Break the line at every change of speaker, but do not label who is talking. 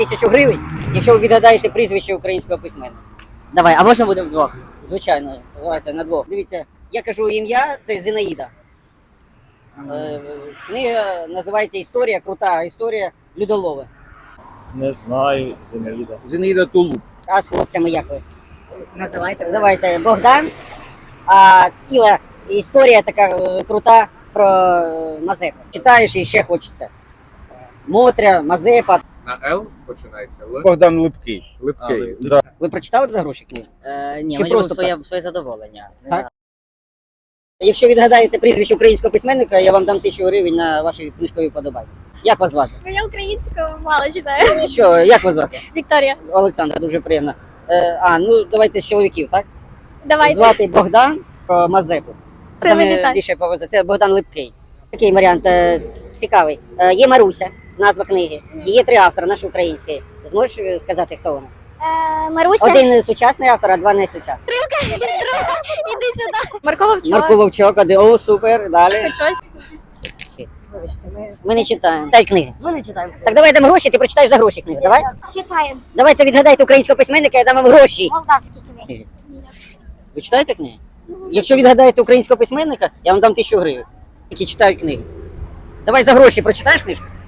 1000 гривень, якщо ви відгадаєте прізвище українського письменника. Давай, а можна буде вдвох? Звичайно, давайте на двох. Дивіться, я кажу ім'я, це Зінаїда. Книга називається «Історія», крута історія Людолови.
Не знаю, Зінаїда.
Зінаїда Тулуб.
А з хлопцями як ви? Називайте. Давайте Богдан. А ціла історія така крута про Мазепу. Читаєш і ще хочеться. Мотря, Мазепа.
На Л починається Л.
Богдан Липкий.
Липкий.
Да.
Ви прочитали за гроші книгу?
Ні,
Чи
мені
просто
своє задоволення.
Так? Якщо відгадаєте прізвище українського письменника, я вам дам 1000 гривень на ваші книжкові вподобання. Як вас звати?
Ну, я українською мало читаю.
Нічого, як вас звати?
Вікторія,
Олександр, дуже приємно. Ну давайте з чоловіків, так?
давайте.
Звати Богдан про Мазепу.
Це
Там
мені так.
більше повезе. Це Богдан Липкий. Такий варіант цікавий. Є Маруся, назва книги. І є 3 автори, наші українські. Зможеш сказати, хто вона?
Маруся.
Один сучасний автор, а 2 не сучасні.
Іди сюди. Марко Вовчок.
Марко Вовчок, о, супер, далі.
Хоч щось.
Ми не читаємо. Дай книги.
Ми не читаємо.
Так давай дам гроші, ти прочитаєш за гроші книгу. Давай?
Читаємо.
Давайте відгадайте українського письменника, я дам вам гроші.
Молдавські книги.
Ви читаєте книги? Якщо відгадаєте українського письменника, я вам дам 1000 гривень. Які читають книги. Давай за гроші прочитаєш книжку?